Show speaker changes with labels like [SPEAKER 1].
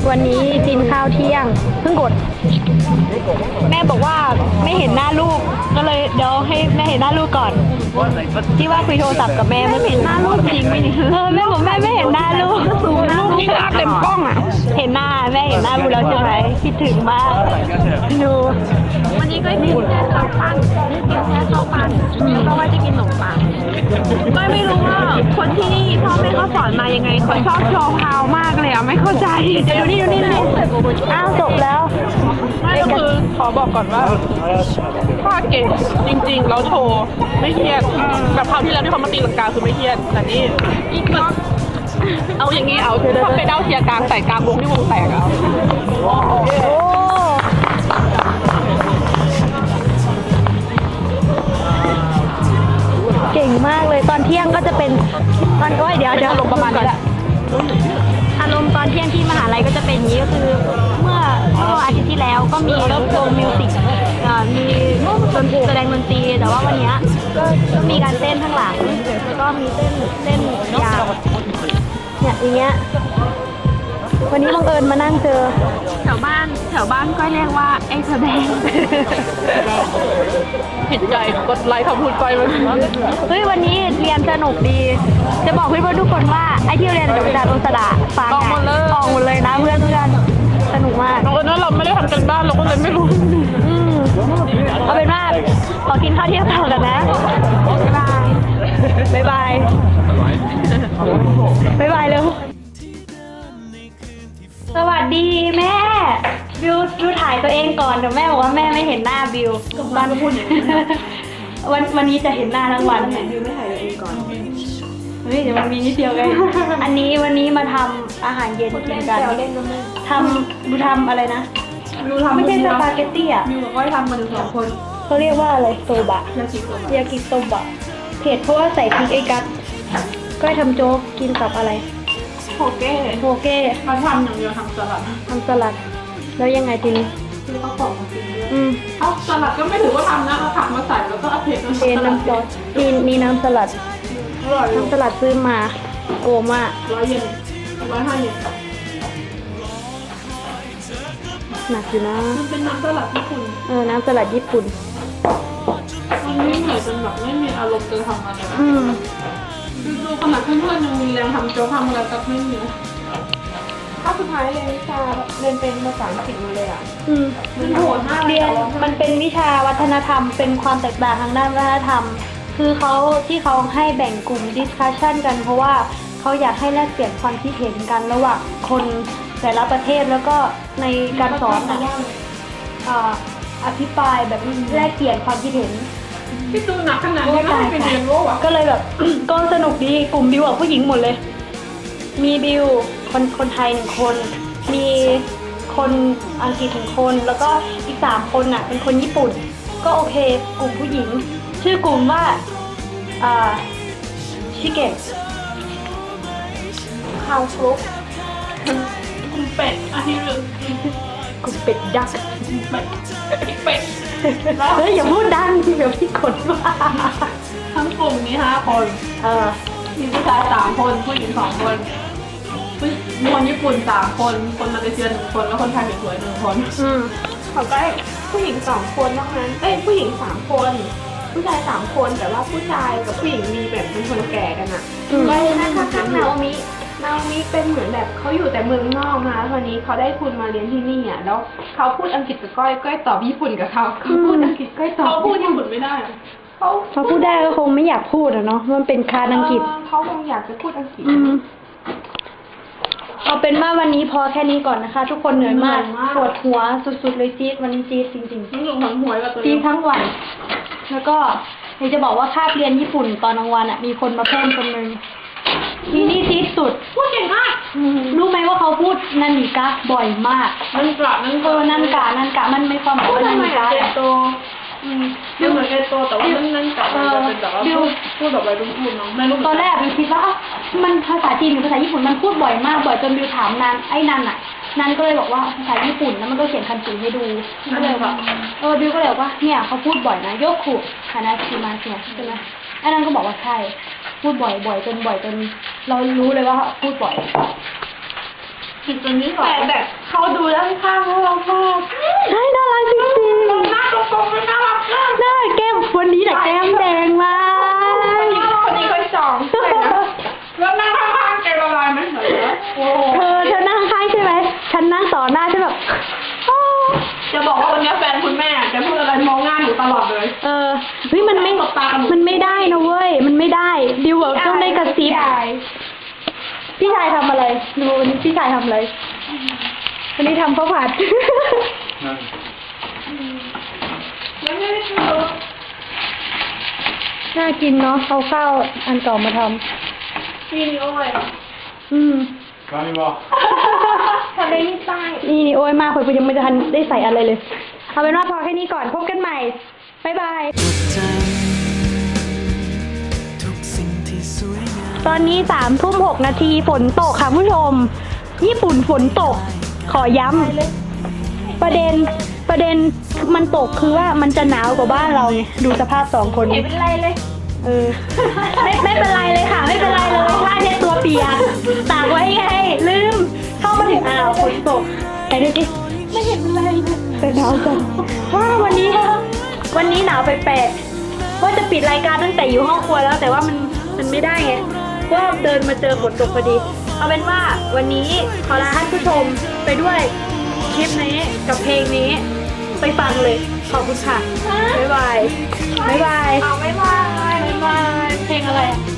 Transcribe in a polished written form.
[SPEAKER 1] วันนี้กินข้าวเที่ยงเพิ่งกดแม่บอกว่าไม่เห็นหน้าลูกก็เลยเดี๋ยวให้แม่เห็นหน้าลูกก่อนที่ว่าคุยโทรศัพท์กับแม่ไม่เห็นหน้าลูกจริงไหมแม่บอกแม่ไม่เห็นหน้าลูกสูงลูกที่หน้าเต็มกล้องอ่ะเห็นหน้าแม่เห็นหน้าลูกแล้วใช่ไหมคิดถึงมากดูวันนี้ก็กินแค่ข้าวปั้นเพราะว่าจะกินขนมปังไม่รู้ว่าคนที่นี่พ่อแม่เขาสอนมายังไงเขาชอบโชว์พาวมากเลยอ่ะไม่เข้าใจเดี๋ยวดูนี่อ้าวจบแล้ว
[SPEAKER 2] ไม่ก็คือขอบอกก่อนว่าถ้าเก่งจริงๆแล้วโชว์ไม่เครียดแบบคราวที่แล้วที่เขามาตีลังกาคือไม่เครียดแต่นี่อีกแบบเอาอย่างนี้เอาถ้าไปเด้าเทียร์กลางใส่กลางวงที่วงแตกเอา
[SPEAKER 1] เก่งมากเลยตอนเที่ยงก็จะเป็นตอนเดี๋ยวลงประมาณนี้แหละอารมณ์ตอนเที่ยงที่มหาลัยก็จะเป็นอย่างนี้ก็คือเมื่ออาทิตย์ที่แล้วก็มีวงมิวสิกมีแสดงดนตรีแต่ว่าวันนี้ก็มีการเต้นข้างหลังแล้วก็มีเต้นยาวเนี่ยอย่างเงี้ยวันนี้บังเอิญมานั่งเจอ
[SPEAKER 2] แถวบ้านก็เรียกว่าไอ้แสดงเห็นใจกดไลค์คำพูดไปมัน
[SPEAKER 1] เฮ้ยวันนี้เรียนสนุกดีจะบอกเพื่อนๆทุกคนว่าไอ้ที่เรียนกับอาจารย์องศดาฟังออกหมดเลยนะเพื่อนสนุกมาก
[SPEAKER 2] น้องเอิญว่าเราไม่ได้ทำกันบ้านเราก็เลยไม่รู้
[SPEAKER 1] เอาเป็นว่าขอกินข้าวเที่ยงต่อกันนะบ๊ายบายเร็วสวัสดีแม่บิวถ่ายตัวเองก่อนเดี๋ยวแม่บอกว่าแม่ไม่เห็นหน้าบิวตอนพูดวันนี้จะเห็นหน้าทั้งวันบิวไม่ถ่ายตัวเองก่อนเฮ้ยเดี๋ยวมันมีนิดเดียวไงวันนี้มาทำอาหารเย็นกินกันดูทำอะไรนะไม่ใช่สปาเกตตี้อ่ะ
[SPEAKER 2] บิวกับก้อยทำมาถึง2 คน
[SPEAKER 1] เขาเรียกว่าอะไรโซบะยากิโซบะเผ็ดเพราะว่าใส่พริกไอ้กัดก็ทำโจ๊กกินกับอะไร
[SPEAKER 2] โอเคมาทำอย่างเดียวทำส
[SPEAKER 1] ลัดแล้วยังไงทีนี้
[SPEAKER 2] แล้วก็ของมากินด้วยเอาสลัดก็ไม่ถือว่าทำนะเอาผักมาใส่แล้วก็เอาเผ็ดน้ำซอส
[SPEAKER 1] มีน้ำสลัดซื้อมาโกมาก
[SPEAKER 2] 100 เยน105 เยน
[SPEAKER 1] หนักอยู่นะ
[SPEAKER 2] มันเป็นน้ำสลัดญี่ปุ่น
[SPEAKER 1] น้ำสลัดญี่ปุ่น
[SPEAKER 2] มันไม่เหนื่อยจนแบบไม่มีอารมณ์จะทำอะไรดูขนาดเพื่อนๆยังมีแรงทำโจ๊กทำอะไรกับไม่มีถ้าสุดท้ายเรียนวิชาเรียนเป็นภาษาอังกฤษมาเลยมันโหดมาก
[SPEAKER 1] มันเป็นวิชาวัฒนธรรมเป็นความแตกต่างทางด้านวัฒนธรรมคือเขาให้แบ่งกลุ่ม discussion กันเพราะว่าเขาอยากให้แลกเปลี่ยนความคิดเห็นกันระหว่างคนแต่ละประเทศแล้วก็ในการสอนอภิปรายแบบแลกเปลี่ยนความคิดเห็น
[SPEAKER 2] ที่ดูหนักขนาดนี้ไม่เป็นเรียนรู้อ่ะ
[SPEAKER 1] ก็เลยแบบ ก็สนุกดีกลุ่มบิวผู้หญิงหมดเลยมีบิวคนไทย1 คนมีคนอังกฤษ1 คนแล้วก็อีก3 คนน่ะเป็นคนญี่ปุ่นก็โอเคกลุ่มผู้หญิงชื่อกลุ่มว่าชิเกะ
[SPEAKER 2] ข้าวคลุกกลุ่มเป็ดอาทิตย์นึง
[SPEAKER 1] กลุ่มเป็ดยักษ์
[SPEAKER 2] เป็ด
[SPEAKER 1] เฮ้ยอย่าพูดดังเดี๋ยวพี่กดว่า
[SPEAKER 2] ทั้งกลุ่มนี้5 คนมีผู้ชาย3 คนผู้หญิง2 คนคนญี่ปุ่น3 คนคนมาเลเซีย1 คนแล้วคนไทยสวย1 คนเขาก็ผู้หญิง2 คนนอกนั้นผู้หญิง3 คนผู้ชาย3 คนแต่ว่าผู้ชายกับผู้หญิงมีแบบเป็นคนแก่กันอ่ะก็ข้างนาโอมิเป็นเหมือนแบบเขาอยู่แต่เมืองนอกนะตอนนี้เขาได้ทุนมาเรียนที่นี่อ่ะแล้วเขาพูดอังกฤษกับก้อยตอบญี่ปุ่นกับเขาพูดอังกฤษก้อยตอบเขาพูดญี่ปุ่นไม่ได้
[SPEAKER 1] เขาพูดได้ก็คงไม่อยากพูดเนาะมันเป็นคานอังกฤษ
[SPEAKER 2] เขาคงอยากจะพูดอังกฤษ
[SPEAKER 1] เอาเป็นว่าวันนี้พอแค่นี้ก่อนนะคะทุกคนเหนื่อยมากปวดหัวสุดๆเลยจี๊ดวันนี้จี๊ดจริงๆจี๊ดทั้งวันแล้วก็อยากจะบอกว่าคาบเรียนญี่ปุ่นตอนกลางวันมีคนมาเพิ่มคนนึงทีนี้จี๊ดสุด
[SPEAKER 2] พูดเก่งมาก
[SPEAKER 1] รู้ไหมว่าเขาพูดนันนิกะบ่อยมาก
[SPEAKER 2] นันกะ
[SPEAKER 1] มันไม่ความหมายว่านันนิกะ
[SPEAKER 2] บิวเหมือนเอโตแต่ว่านั่นกะมันจะเป็นแบบว่าพูดแบบวัยรุ่นเนาะ
[SPEAKER 1] ตอนแรกบิวคิดว่ามันภาษาจีนหรือภาษาญี่ปุ่นมันพูดบ่อยมากจนบิวถามนันก็เลยบอกว่าภาษาญี่ปุ่นแล้วมันก็เขียนคันจิให้ดูก็เลยแบบบิวก็เลยบอกว่าเนี่ยเขาพูดบ่อยนะโยคุฮานาชิมาเนี่ยใช่ไหมไอ้นั่นก็บอกว่าใช่พูดบ่อยจนเรารู้เลยว่าพูดบ่อย
[SPEAKER 2] ตัวนี้แต่แบบเขาดูด้านข้างแล้วเราชอบ
[SPEAKER 1] ใช่น่ารักจริง
[SPEAKER 2] หน้าตรงๆไม่น่ารักมาก
[SPEAKER 1] ๆหน้าแก้มวันนี้แต่แก้มแดงมาก
[SPEAKER 2] คนนี้ค่อยสองแล้วนั่งข้างๆแกละลายไหมเหรอโอ้
[SPEAKER 1] เธอนั่งข้างใช่ไหมฉันนั่งต่อหน้าฉันแบบอ้อ
[SPEAKER 2] จะบอกว่าวันนี้แฟนคุณแม่จะพูดอะไรมองหน้าหนูตลอดเลย
[SPEAKER 1] เฮ้ยมันไม่ได้นะเว้ยมันไม่ได้ดิวแบบต้องได้กระซิบพี่ชายทำอะไรดูวันนี้พี่ชายทำอะไรวันนี้ทำข้าวผัด
[SPEAKER 2] ไม่ได้คือ
[SPEAKER 1] น่ากินเนาะเอาข้าวอันเก่ามาทำ
[SPEAKER 2] นี่โอ้ย
[SPEAKER 3] Kan vara.
[SPEAKER 2] ทะเลนี่ใต้
[SPEAKER 1] นี่โอ้ยมากเลยยังไม่ทันได้ใส่อะไรเลยเอาเป็นว่าพอแค่นี้ก่อนพบกันใหม่บ๊ายบายตอนนี้3:06 ฝนตกค่ะผู้ชมญี่ปุ่นฝนตกขอย้ำประเด็นมันตกคือว่ามันจะหนาวกว่าบ้านเราไงดูสภาพ2 คน
[SPEAKER 2] ไม่เป็นไรเลย
[SPEAKER 1] ไม่เป็นไรเลยค่ะไม่เป็นไรเลยผ้าเช็ดตัวเปียกตากไว้ไงลืมเข้ามาถึงฝนตกไหนดูสิไม่เห็นอะไรเลยแต่หนาวจังว่าวันนี้หนาวแปลกๆว่าจะปิดรายการตั้งแต่อยู่ห้องครัวแล้วแต่ว่ามันไม่ได้ไงว่าเดินมาเจอฝนตกพอดีเอาเป็นว่าวันนี้ขอลาท่านผู้ชมไปด้วยคลิปนี้กับเพลงนี้ไปฟังเลยขอบคุณค่ะบ๊ายบายบ๊ายบาย
[SPEAKER 2] เอาไม่มา
[SPEAKER 1] บ๊ายบายเพลงอะไร